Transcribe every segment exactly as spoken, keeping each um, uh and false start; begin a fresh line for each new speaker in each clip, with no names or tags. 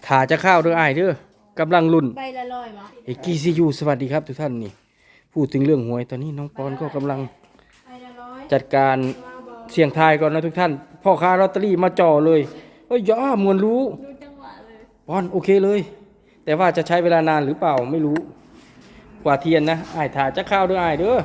ถ่าจะเข้าเด้ออ้ายเด้อกำลังลุ้น
ใบละร้อยมั้ง
เอกีซียูสวัสดีครับทุกท่านนี่พูดถึงเรื่องหวยตอนนี้น้องปอนก็กำลัง
ใบละร้อย
จัดการเสี่ยงทายก่อนนะทุกท่านพ่อค้าลอตเตอรี่มาจ่อเลยเอ้ยย่ามวนรู้
ดูจังหวะเลย
ปอนโอเคเลย แต่ว่าจะใช้เวลานานหรือเปล่าไม่รู้กว่าเทียนนะอ้ายถ่าจะเข้าเด้ออ้ายเด้อ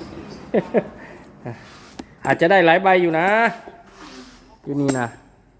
อาจจะได้หลายใบอยู่นะอยู่นี่นะ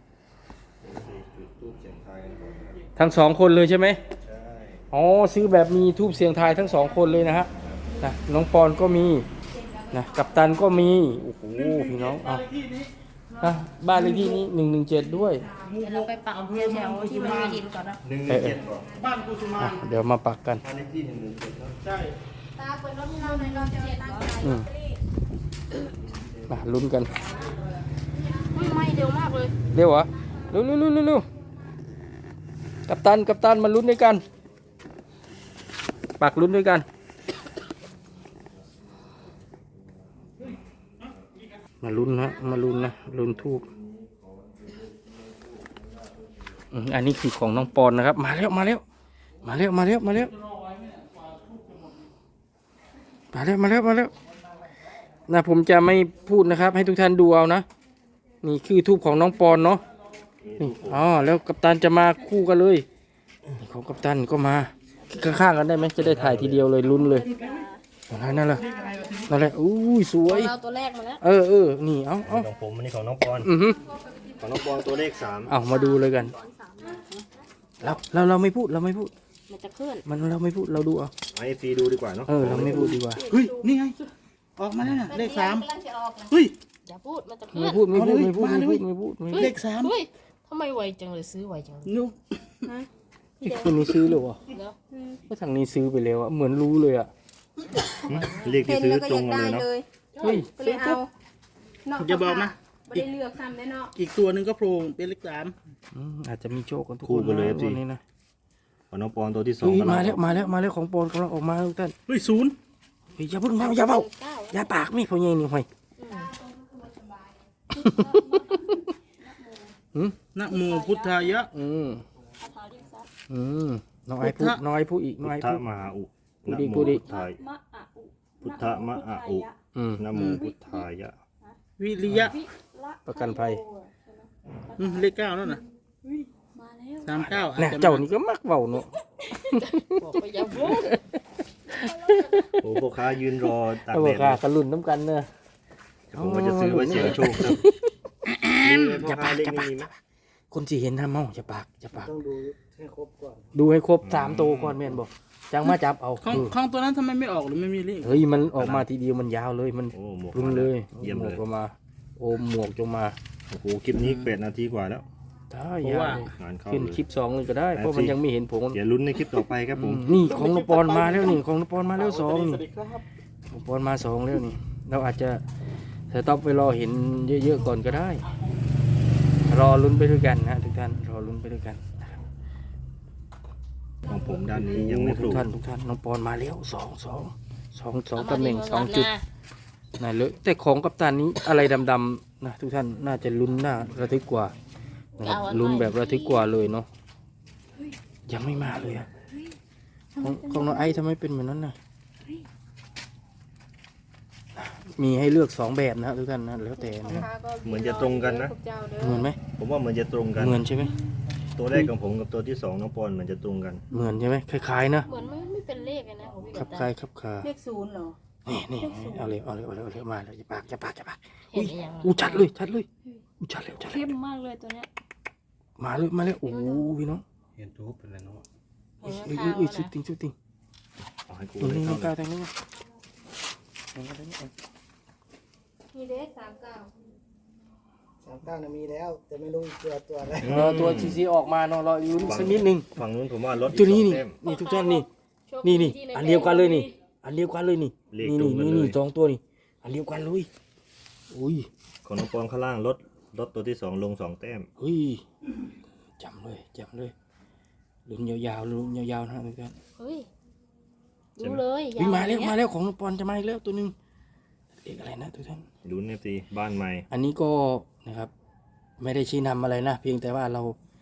ทั้งสองคนเลยใช่ไหมใช่อ๋อซื้อแบบมีทูบเสียงทายทั้งสองคนเลยนะฮะนะน้องปอนก็มีนะกัปตันก็มีโอ้โหพี่น้องเอาอ่ะบ้านเลขที่นี้หนึ่งหนึ่งเจ็ดด้วย
เดี๋ยวเราไปปักแถวๆที่มันมีดินก่อนนะ
หนึ่งหนึ่งเจ็ดบอก
บ้านกุสุมา
อ่ะเดี๋ยวมาปักกัน
บ้านเลขที่หนึ่งหนึ่งเจ็ดครับ
ใช่
ตาเปิดรถเข้าในรถเจ็ดก่อน
อืมมาลุ้นกัน
อุ้ยไม่เร็วมากเลย
เร็วเหรอเร็วเร็วเร็วเร็วเร็วกัปตันกัปตันมาลุ้นด้วยกันปักลุ้นด้วยกันมาลุ้นนะมาลุ้นนะลุ้นทูบอืมอันนี้คือของน้องปอนนะครับมาแล้วมาแล้วมาแล้วมาแล้วมาแล้วมาแล้วมาแล้วมาแล้วนะผมจะไม่พูดนะครับให้ทุกท่านดูเอานะนี่คือทูบของน้องปอนเนาะนี่อ๋อแล้วกัปตันจะมาคู่กันเลยนี่ของกัปตันก็มาข้างๆกันได้ไหมจะได้ถ่ายทีเดียวเลยลุ้นเลยอะไรนั่นแหละนั่นแหละอู้ยสวย
เราตัวแรกมาแล้ว
เออเออนี่เอาเอา
ของผมอันนี้ของน้องปอน
อือฮึ
ของน้องปอนตัวเลขสาม
เอามาดูเลยกันเราเราเราไม่พูดเราไม่พูด
มันจะเคลื่อน
มันเราไม่พูดเราดูเอา
ให้ฟรีดูดีกว่าเนาะ
เออเราไม่พูดดีกว่า
เฮ้ยนี่ไงออกมาแล้วน่ะเลขสาม
กำลังจะออกนะ
เฮ้ย
อย่าพูดมันจะเคลื่
ไม่
อน
พูดไม่พูดไม่พูด
มา
ไม่
เลย
พูดไม่พูดไม่พูด
เลขสาม
เฮ้ยทำไมไวจังเลยซื้อไวจังเลย
นุ๊ก
ไอ้คนนี้ซื้อเลยวะ
เดี๋ยว
ก็ทางนี้ซื้อไปแล้วอะเหมือนรู้เลยอะ
เลขที่ซื้อตรงกันเลยเนาะ
เฮ้ย
ก็เลยเอา
จะบอกนะ
ไม่ได้เลือกซ้ำแน่เนาะ
อีกตัวหนึ่งก็โผล่เป็นเลขสาม
อืมอาจจะมีโชคกันทุกค
คู่
น
กันเลย
นะ
สิ
วันนี้นะ
ของน้องปอนตัวที่สอง
เฮ้ย
กำลัง
มาแล้วมาแล้วมาแล้วของปอนกำลังออกมาทุกท่าน
เฮ้ยศูนย์
เฮ้ยอย่าเพิ่งมาอย่าเบา
เก้า
อย่าปากนี่พ่อใหญ่นี่ห่วย
นะโมพุทธายะ
อืมอืมน้องไอ้พูดน้องไอ้พูดอีกน้อง
พุท
ไอ้
ธ
พูด
มหาอุ
พูด
นะ
ดิ
โม
พูดดิ
พุทธายพุทธมะอะอุ
อืม
นะโมพุทธายะ
วิริยะ
ประกันภัย
อืมเลขเก้านั่นน่ะสามเก้าอาจ
น่ะ
จะ
เจ้านี่ก็มักเบาเนาะ
บอกไปอย่าพูด
โอ้พ่อค้ายืนรอตาก
เอา
แด
บ่
ด
ค่ะ
เลย
กันรุ่นน้ำกันเนอะ
ผมว่าจะซื้อไว้เสี่ยงโชคครับนี่พ่อค้าเลขนี้มีไหม
คนสิเห็นทำเมาจะปากจะปาก
ต้องดูให้ครบก่อน
ดูให้ครบสามตัวก่อนแม่นบอกจังมาจับเอา
ของ
เออ
ของตัวนั้นทำไมไม่ออกหรือไม่มีเลข
เฮ้ยมันออกมาทีเดียวมันยาวเลยมัน
โอ้หมวก
รุนเลย
เยี่ยม
หม
เล
วก
ย
ก็มาโอมหมวกจงมา
โอ้โหคลิปนี้แปดนาทีกว่าแล้ว
ได้ยาวเลย
งานเข้า
ขึ้น
เลย
คลิปสองเลยก็ได้
ได้
เพราะมัน
สิ
ยังไม่เห็นผม
เดี๋ยวลุ้นในคลิปต่อไปครับผม
อืมนี่ของนปอนมาแล้วนี่ของนปอนมาแล้วสอง
ส
นี่
วัสดีครับ
นปอนมาสองแล้วนี่เราอาจจะสต็อปไปรอเห็นเยอะๆก่อนก็ได้ รอลุ้นไปด้วยกันนะทุกท่านรอลุ้นไปด้วยกัน
ของผมด้านนี้ยังไม่ป
ทุ
ลู
ก
ก
ท่านทุกท่านน้องปอนมาแล้วสองสองสองสองตำแหน่งสองจุดน่าเลยแต่ของกัปตันนี้อะไรดำๆนะทุกท่านน่าจะลุ้นน่าระทึกกว่านะครับลุ้นแบบระทึกกว่าเลยเนาะยังไม่มาเลยอะของของน้องไอซ์ทำไมเป็นเหมือนนั้นน่ะมีให้เลือกสองแบบนะทุกท่านนะแล้วแต่นะ
เหมือนจะตรงกันนะ
เหมือนไหม
ผมว่าเหมือนจะตรงกัน
เหมือนใช่ไหม
ตัวแรกของผมกับตัวที่สองน้องปอนเหมือนจะตรงกัน
เหมือนใช่ไหมคล้ายๆนะ
เหมือนไม่ไม่เป็นเลขเลยนะของพี่
คลั
กับ ตา
คล้ายครับคา
เลขศูนย์เหรอ
นี่นี่เอาเลยเอาเลยเอาเลยเอาเลยมาเลยจะปากจะปากจะปาก
เห็นหรือยัง
อู้ชัดเลยชัดเลยอู้ชัดแล้วชัดแล้ว
เข้มมากเลยตัวเนี้ย
มาเลยมาเลยโอ้โหพี่น้อง
เห็นทูบเป็นอะไรเนาะ
เห็น
เอ้ย
ข้า
เอ้
วย
เอ้ยสุด
นะ
ติงสุดติง
เอาให้กู
นี่
เลย
นี่
เข้า
นี่
เล
ก้าวย ทางนี้มาทางนี้เอา
มีเลขสามเก้า
สามเก้านะมีแล้ว แต่ไม่รู้ตัวตัวอะไร
รอตัวซีซีออกมาเนาะรออยู่สักนิดนึง
ฝั่งนู้นผมว่ารถอีก
ตัวนี้
สอง
นี่
เต็ม
นี่ทุกท่านนี่นี่นี่อันเดียวกันเลยนี่อันเดียวกันเลยนี่
เลข
นี่
ตร
นี่
งกัน
นี่
เลย
นี่สองตัวนี่อันเดียวกันเลยอุ้ย
ของน้องปอนข้างล่างรถรถตัวที่สองลงสองแต้ม
เฮ้ยจำเลยจำเลยลุ้นยาวๆลุ้นยาวๆนะทุกท่าน
เฮ้ยดูเลย
เฮ้ยมาแล้ว
อย่ง
มา
เงี้ย
แล้วของน้องปอนจะมาอีกแล้วตัวหนึงเด็กอะไรนะทุกท่าน
ลุ้นเอฟซีบ้านใหม่
อันนี้ก็นะครับไม่ได้ชี้นำอะไรนะ เพียงแต่ว่าเรา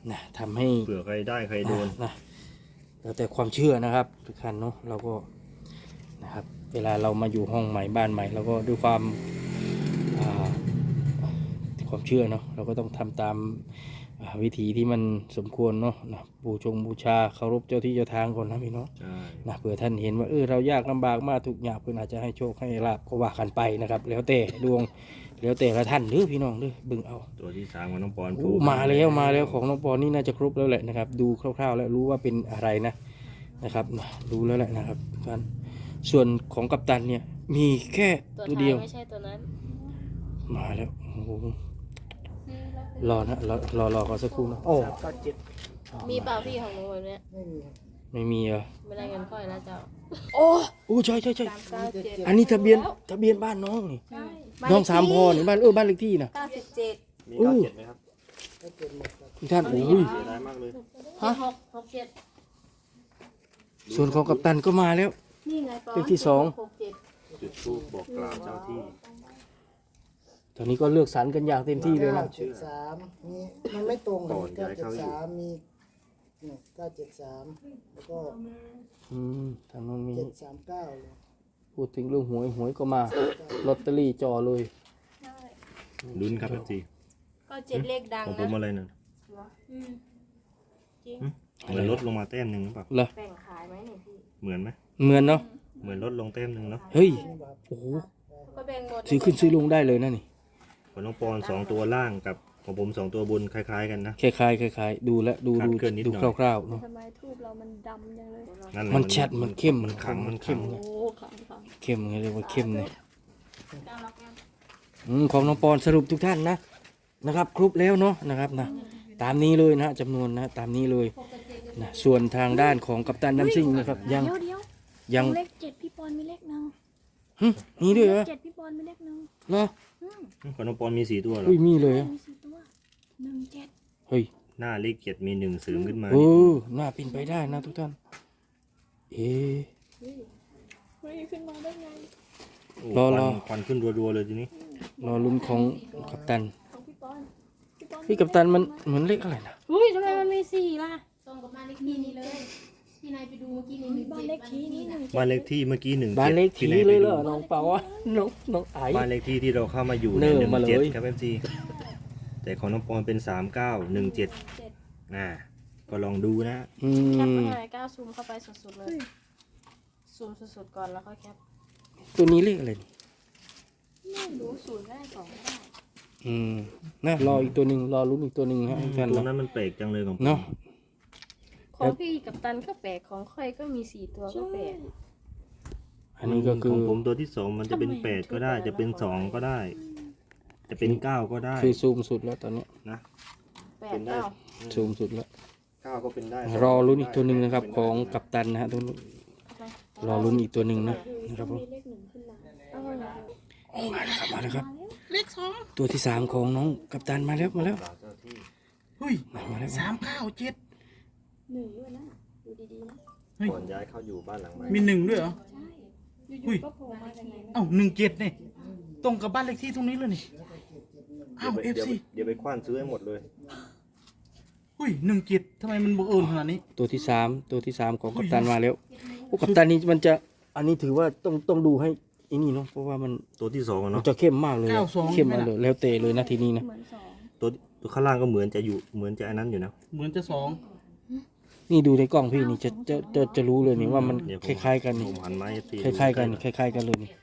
นะทำให้
เผื่อใครได้ใครโดน
นะแล้วแต่ความเชื่อนะครับทุกท่านเนาะเราก็นะครับเวลาเรามาอยู่ห้องใหม่บ้านใหม่เราก็ด้วยความอ่าความเชื่อเนาะเราก็ต้องทำตามอ่าวิธีที่มันสมควรเนาะนะบูชงบูชาเคารพเจ้าที่เจ้าทางก่อนนะพี่เนาะ
ใช่
นะเผื่อท่านเห็นว่าเออเรายากลำบากมากทุกอย่างเพื่อนอาจจะให้โชคให้ลาบก็ว่ากันไปนะครับ แล้วแต่ดวงแล้วแต่ละท่านเด้อพี่น้องเด้อเบิ่งเอา
ตัวที่สามของน้องปอน
โอ้มาแล้วมาแล้วของน้องปอนนี่น่าจะครบแล้วแหละนะครับ ดูคร่าวๆแล้วรู้ว่าเป็นอะไรนะนะครับรู้แล้วแหละนะครับทุกท่านส่วนของกัปตันเนี่ยมีแค่
ตัว
ตัว
ท้า
เดี
ย
ยว
ไม่ใช่ตัวนั้น
มาแล้วโอ้โหรอนะรอรอรอก่อนสักครู่นะโอ้
สามเก้าเจ็ด
มีเปล่าพี่ของหนูแบบเนี้ย
ไม่มีครับ
ไม่มีเหรอ
ไม่ได้เงินค่อยแล้วเจ้า
โอ้โอ้ใช่ใช่ใช่
สามเก้าเจ็ด
อันนี้ทะเบียนทะเบียนบ้านน้องนี่
ใช่
น้องสามพอนี่บ้านเออบ้านเลขที่นะ
เก้าสิบเจ็ด
มี
อู้
เก้าเจ็ดไหมครับ
ก็เจ็ดหมดครับ
ทุกท่านโอ้ย
เสียดายมากเลย
ฮะ
หกหกเจ็ด
ส่วนของกัปตันก็มาแล้ว
นี่ไงปอน
เลขที่สอง
หกเจ็ด
จุดธูปบอกกล่าวเจ้าที่
ตอนนี้ก็เลือกสรรกันอย่างเต็มที่เลย
เก้า
นะ
เจ็ดสามมีมันไม่ตรงครับ
ก่อน
เก้า
ย้าย
เจ็ด
เข้าอยู่
สามมีเนี่ยเก้าเจ็ดสามแล้วก็
อืมทางน้องมี
เจ็ดสามเก้าเลย
พูดถึงเรื่องหวยหวยก็มาลอตเตอรี่จอเลย
ลุ้นครับเอฟซี
ก็เจ็ดเลขดัง
ของผ
นะ
มอะไรนะ
อืมจริง
เหมือนลดลงมาแต้มหนึ่งหรือเปล่า
เหรอ
แบ่งขายไหมเนี่ยพี่
เหมือนไหม
เหมือนเนาะ
เหมือนลดลงแต้มหนึ่งเนาะ
เฮ้ย
นี่แบบ
โอ้โห
ก็แบ่งหมด
ซื้อขึ้นซื้อลงได้เลยนะนี่
ของน้องปอนสองตัวล่างกับของผมสองตัวบนคล้ายๆกันนะ
คล้ายๆคล้ายๆดูแลวดู
คลาด
ดู
เคลื่อนนิดหน่
ดู
อย
คร่าวๆเนาะ
ทำไมทูบเรามันดำจังเลย
นั่นแหละ
มันชัดมันเข้ม
มันขังมันขั
เข้
ง
ม
โอ้ขังขัง
เข้มไงเรียกว่าเข้มเลย
ก้าวแล้วกัน
อืมของน้องปอนสรุปทุกท่านนะนะครับ ครบแล้วเนาะนะครับนะตามนี้เลยนะจำนวนนะตามนี้เลยนะส่วนทางด้านของกัปตันน้ำซิ่งนะครับยัง
เดี๋ยวเดี๋ยว
ยัง
เลขเจ็ดพี่ปอนมีเลขหนึ่ง
หึมีด้วยเหรอ
เจ็ดพี่ปอนมีเลขหนึ่ง
เหรอ
ของน้องปอนมีสี่ตัวเหรอ
อุ้ยมีเลยเหรอ
มีสี่ตัวหนึ่งเจ็ด
เฮ้ย
หน้าเลขเจ็ดมีหนึ่งเสริมขึ้นมา
เออน่าเป็นไปได้นะทุกท่าน เอ๊ะ
เฮ้ยขึ้นมาได้ไง
โอ้
รอ
ค
ร
วั
อ
นควันขึ้นรัวๆเลยทีนี้
รอลุ้นของกัปตัน
ของพี่ปอนพี่ปอน
พี่กัปตันมันเหมือนเลขอะไรนะ
อุ้ยทำไมมันมีสี่ล่ะตรงกับบ้านเลขที่นี่เลยที่นายไปดูเมื่อกี้นี่มี
บ้านเลขที่นี่หนึ่ง
บ้านเลขที่เมื่อกี้หนึ่ง
บ้านเลขที่เลยเหรอน้องเปาวะน้องน้องไอ
บ้านเลขที่ที่เราเข้ามาอยู่
เนิ่
ใน
ม
หนึ่ง
มาเลย
เจ็ดครับเอฟซีแต่ของน้องปอนเป็นสามเก้าหนึ่งเจ็ดอ่าก็ลองดูนะ
อื
แคป
ม
ไปก้าวซูมเข้าไปสุดๆเลยซูมสุดๆก่อนแล้วค่อยแคป
ตัวนี้เลขอะไรนี่
ไม่รู้ศูนย์ได้สองได้
อืมนะรออีกตัวหนึ่งรอลุ้นอีกตัวหนึ่งฮะทุกท่าน
ตัว
เนาะ
นั้นมันแปลกจังเลยของผม
เนาะ
ของพี่กับตันก็แปลกของค่อยก็มีสี่ตัวก็แปลก
อันนี้ก็คื
ข
อ
องผมตัวที่สองมันจะเป็น
ทำไม
แปดก็ได้
มัน
จะเป็น
ถูก
สอง
อะไร
ก็ได้ จะเป็นเก้าก็ได้
คือซูมสุดแล้วตอนเนี้ย
นะ
แป
เป็
ด
นได้
เก้า
ซูมสุดแล้ว
เก้าก็เป็นได้
รอลุ้นอีกตัวหนึ่งนะครับ ของกัปตันนะฮะตัวนี้รอลุ้นอีกตัวหนึ่งนะนะครับผม
มีเลขหนึ่งขึ้นมาเออ
มาแล้วครับมาแล้วครับ
เลขสอง
ตัวที่สามของน้องกัปตันมาแล้วมาแล้ว
เจ้าที่
เฮ้ย
มามาแล้ว
สามเก้าเจ็ด
หนึ่งด้วยนะดูดีๆนะ
เฮ้ย
ก่อนย้ายเข้าอยู่บ้านหลังใหม่
มีหนึ่งด้วยเหรอ
ใช่
เฮ้ย
ก็โผล่มาจากไหนนะ
เอ้าหนึ่งเจ็ดเนี่ยตรงกับบ้านเลขที่ตรงนี้เลยนี่
เดี๋ย
อ้าว ว
ไป
เอฟ
เดี๋ยว
ซี
ไปเดี๋ยวไปคว้านซื้อให้หมดเลย
เฮ้ยหนึ่งเจ็ดทำไมมันบังเอิญขนาดนี้
ตัวที่สามตัวที่สามของกัปตันมาแล้วโอ้กัปตันนี่มันจะอันนี้ถือว่าต้องต้องดูให้อันนี้เนาะเพราะว่ามัน
ตัวที่สองอะ
มัน
เนาะ
จะเข้มมากเลยอะ
เก้าสอง
เข้มมากเลยแล้วเตะเลยนะทีนี้นะ
เหมือนสอง
ตัวตัวข้างล่างก็เหมือนจะอยู่เหมือนจะอันนั้นอยู่นะ
เหมือนจะสอง
นี่ดูในกล้องพี่นี่จะจะจะจะรู้เลยนี่ว่ามัน
เดี๋ยว
ค
ผม
ล้ายๆกันนี่
ผมหันไม้ตี
คล้ายๆกันคล้ายๆกันเลยนี่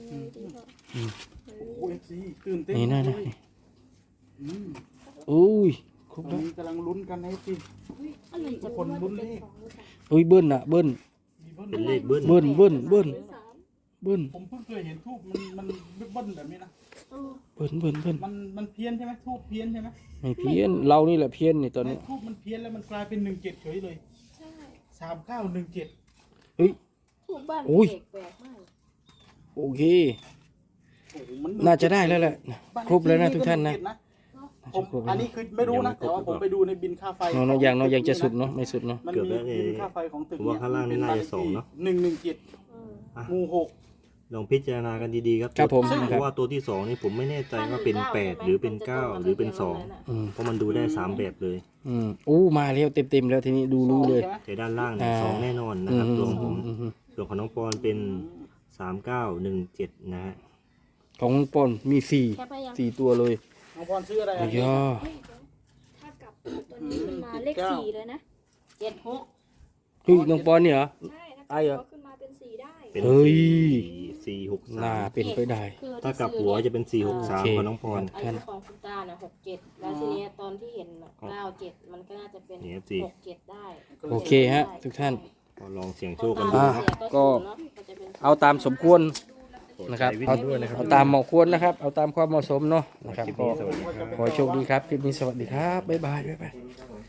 โอ้เอฟซีตื่นเต้น
นี่นะ
เล
นะ
ย
นี่
อืม
อุ้ยครบ
ตอน
แล้ว
นี้กำลังลุ้นกันนะเอฟซี
อะไร
ทุ
จะ
กคนลุ้นเลข
อุ้ยเบิ้ลอะเบิ้ล
มีเบิ้ล
เป็นเลขเบิ้ล
เบิ้ลเบิ้ลเบิ้ลเบิ้ล
ผมเพิ่งเคยเห็นทูบมันมันเบิ้ลแบบนี้นะ
เบิ้ลเบิ้ลเบิ้ล
มันมันเพี้ยนใช่ไหมทูบเพี้ยนใช่ไหม
ไม่เพี้ยนเรานี่แหละเพี้ยนนี่ตอนนี้
ทูบมันเพี้ยนแล้วมันกลายเป็นหนึ่งเจ็ดเฉยเลยสามเก้าหนึ่งเจ็ด
เฮ้ย
ถูกบ้าน
โอ้ย
เด็กแปลกมาก
โอเค
โอ้โหมัน
น่าจะได้แล้วแหละครบแล้วนะทุกท่านนะ
ผมอันนี้คือไม่รู้นะแต่ว่าผมไปดูในบินค่าไฟ
เนาะเนาะยังเนาะยังจะสุดเนาะไม่สุดเนาะ
มันมีบินค่าไฟของตึก
ผมว่าข้างล่างนี่น่าจะสองเนาะ
หนึ่งหนึ่งเจ็ด
อืม
งูหก
ลองพิจารณากันดีๆครับ
ครับผม
เพราะว่าตัวที่สองนี่ผมไม่แน่ใจว่าเป็นแปดหรือเป็นเก้าหรือเป็นสอง
อืม
เพราะมันดูได้สามแบบเลย
อืมอู้มาแล้วเต็มๆแล้วทีนี้ดูรู้เลย
แต่ด้านล่างเนี่ย
อ่า
สองแน่นอนนะ
อื
ครับ
ม
ตัวของผม
อืมอืม
ส่วนของน้องปอนเป็นสามเก้าหนึ่งเจ็ดนะฮะ
ของปอนมีสี่
แคปไปยัง
สี่ตัวเลย
น้องพรซื้ออะไร
โอ้ยอ
ถ้ากลับตัวนี้ขึ้นมาเลขสี่เลยนะ
เจ็ดหก
เฮ้ยน้องปอนเนี่ยเหรอ
ใช่ถ้า
ไอ้เหรอ
เขาขึ้นมาเป็นสี่ได้
เป็น
เฮ้ย
สี่หก
น่า
สาม
เป็นไปได้
คือ
ถ้ากลับหัวจะเป็นสี่หกสาม
โอเค
ของน้องปอน
ไอ้ของคุณตาเนี่ยหกเจ็ดแล้วทีเนี้ยตอนที่เห็นน่ะเก้าเจ็ดมันก็น่าจะเป็น
นี่ครับสิ
หกเจ็ดได้
โอเคฮะทุกท่าน
ก็ลองเสี่ยงโชคกัน
อ่า
ดู
ก็เอาตามสมควรนะครับเอาเอาตามเหมาะควรนะครับ เอาตามความเหมาะสมเนาะนะครับ
คลิป
ก็
นี้สวัสดีครับ
ขอให้โชคดีครับคลิปนี้สวัสดีครับบ๊ายบายบ๊ายบาย
ค